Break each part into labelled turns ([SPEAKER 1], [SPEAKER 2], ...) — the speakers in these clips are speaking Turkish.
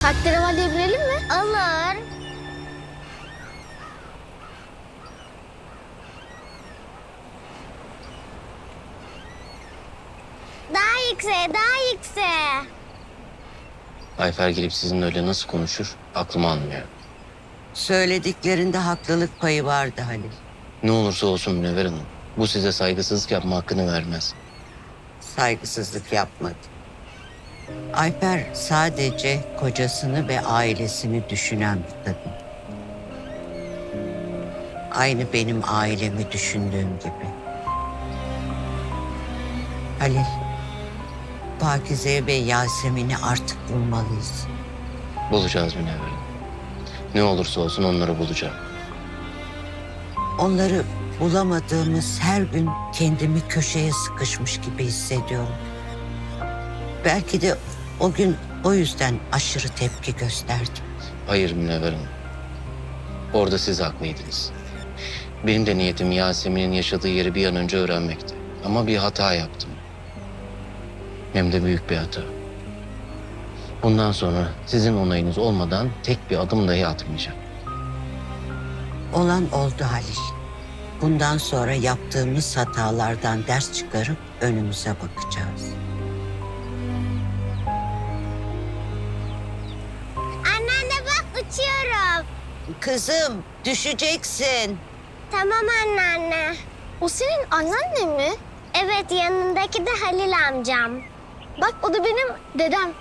[SPEAKER 1] Tahterevalliye binelim mi?
[SPEAKER 2] Olur. Daha yükseğe, daha yükseğe.
[SPEAKER 3] Ayfer gelip sizinle öyle nasıl konuşur aklım almıyor.
[SPEAKER 4] Söylediklerinde haklılık payı vardı Halil.
[SPEAKER 3] Ne olursa olsun Münevver Hanım, bu size saygısızlık yapma hakkını vermez.
[SPEAKER 4] Saygısızlık yapmadı. Ayfer sadece kocasını ve ailesini düşünen bir kadın. Aynı benim ailemi düşündüğüm gibi. Halil, Pakize ve Yasemin'i artık bulmalıyız.
[SPEAKER 3] Bulacağız Münevver Hanım. Ne olursa olsun onları bulacağım.
[SPEAKER 4] Onları bulamadığımız her gün kendimi köşeye sıkışmış gibi hissediyorum. Belki de o gün o yüzden aşırı tepki gösterdim.
[SPEAKER 3] Hayır Münevver Hanım. Orada siz haklıydınız. Benim de niyetim Yasemin'in yaşadığı yeri bir an önce öğrenmekti. Ama bir hata yaptım. Hem de büyük bir hata. Bundan sonra sizin onayınız olmadan tek bir adım dahi atmayacağım.
[SPEAKER 4] Olan oldu Halil. Bundan sonra yaptığımız hatalardan ders çıkarıp önümüze bakacağız.
[SPEAKER 2] Anneanne bak uçuyorum.
[SPEAKER 4] Kızım düşeceksin.
[SPEAKER 2] Tamam anneanne.
[SPEAKER 1] O senin anneannen mi?
[SPEAKER 2] Evet yanındaki de Halil amcam.
[SPEAKER 1] Bak o da benim dedem.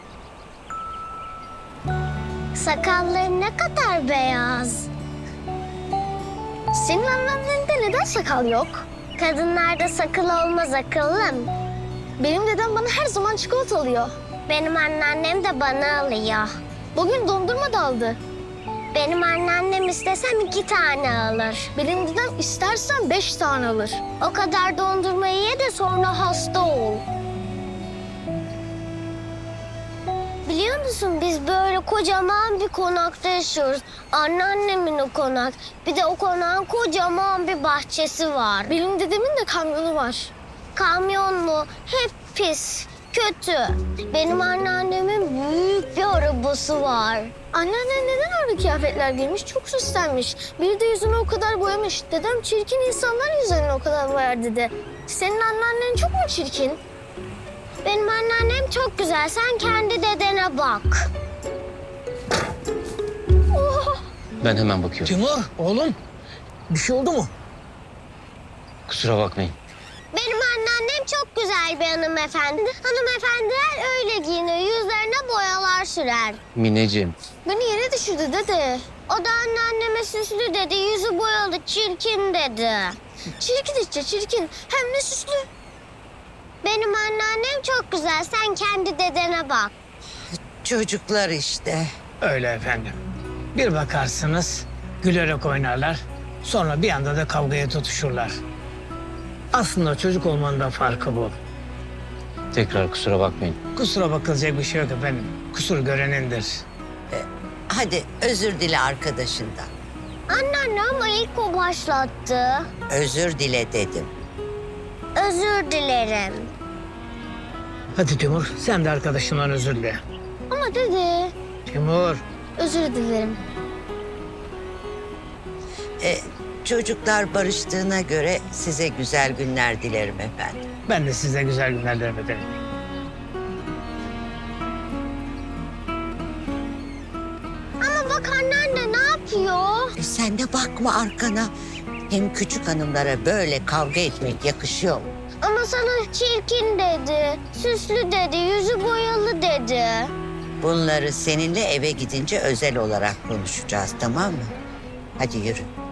[SPEAKER 2] Sakalları ne kadar beyaz.
[SPEAKER 1] Senin anneannende neden sakal yok?
[SPEAKER 2] Kadınlarda sakal olmaz akıllım.
[SPEAKER 1] Benim dedem bana her zaman çikolata alıyor.
[SPEAKER 2] Benim anneannem de bana alıyor.
[SPEAKER 1] Bugün dondurma da aldı.
[SPEAKER 2] Benim anneannem istesem 2 tane alır.
[SPEAKER 1] Benim dedem istersen 5 tane alır.
[SPEAKER 2] O kadar dondurmayı ye de sonra hasta ol. Biliyor musun biz böyle kocaman bir konakta yaşıyoruz. Anneannemin o konak. Bir de o konağın kocaman bir bahçesi var.
[SPEAKER 1] Benim dedemin de kamyonu var.
[SPEAKER 2] Kamyon mu? Hep pis, kötü. Benim anneannemin büyük bir arabası var.
[SPEAKER 1] Anneannen neden öyle kıyafetler giymiş? Çok süslenmiş. Bir de yüzünü o kadar boyamış. Dedem çirkin insanlar yüzlerini o kadar boyar dedi. Senin anneannen çok mu çirkin?
[SPEAKER 2] Benim anneannem çok güzel. Sen kendi dedene bak.
[SPEAKER 3] Ben hemen bakıyorum.
[SPEAKER 5] Timur, oğlum. Bir şey oldu mu?
[SPEAKER 3] Kusura bakmayın.
[SPEAKER 2] Benim anneannem çok güzel bir hanımefendi. Hanımefendiler öyle giyinir. Yüzlerine boyalar sürer.
[SPEAKER 3] Mineciğim,
[SPEAKER 1] Beni yere düşürdü dede.
[SPEAKER 2] O da anneanneme süslü dedi. Yüzü boyalı, çirkin dedi.
[SPEAKER 1] Çirkin işte çirkin. Hem de süslü.
[SPEAKER 2] Benim anneannem çok güzel. Sen kendi dedene bak.
[SPEAKER 4] Çocuklar işte.
[SPEAKER 5] Öyle efendim. Bir bakarsınız gülerek oynarlar. Sonra bir anda da kavgaya tutuşurlar. Aslında çocuk olmanın da farkı bu.
[SPEAKER 3] tekrar kusura bakmayın.
[SPEAKER 5] Kusura bakılacak bir şey yok efendim. Kusur görenindir.
[SPEAKER 4] Hadi özür dile arkadaşından.
[SPEAKER 2] Anneanne ama ilk o başlattı.
[SPEAKER 4] Özür dile dedim.
[SPEAKER 2] Özür dilerim.
[SPEAKER 5] Hadi Timur, sen de arkadaşından özür dile.
[SPEAKER 1] Ama dede
[SPEAKER 5] Timur,
[SPEAKER 1] özür dilerim.
[SPEAKER 4] Çocuklar barıştığına göre size güzel günler dilerim efendim.
[SPEAKER 5] ben de size güzel günler dilerim efendim.
[SPEAKER 2] Ama bak anneanne ne yapıyor?
[SPEAKER 4] Sen de bakma arkana. Hem küçük hanımlara böyle kavga etmek yakışıyor mu?
[SPEAKER 2] Ama sana çirkin dedi. Süslü dedi. Yüzü boyalı dedi.
[SPEAKER 4] Bunları seninle eve gidince özel olarak konuşacağız, tamam mı? Hadi yürü.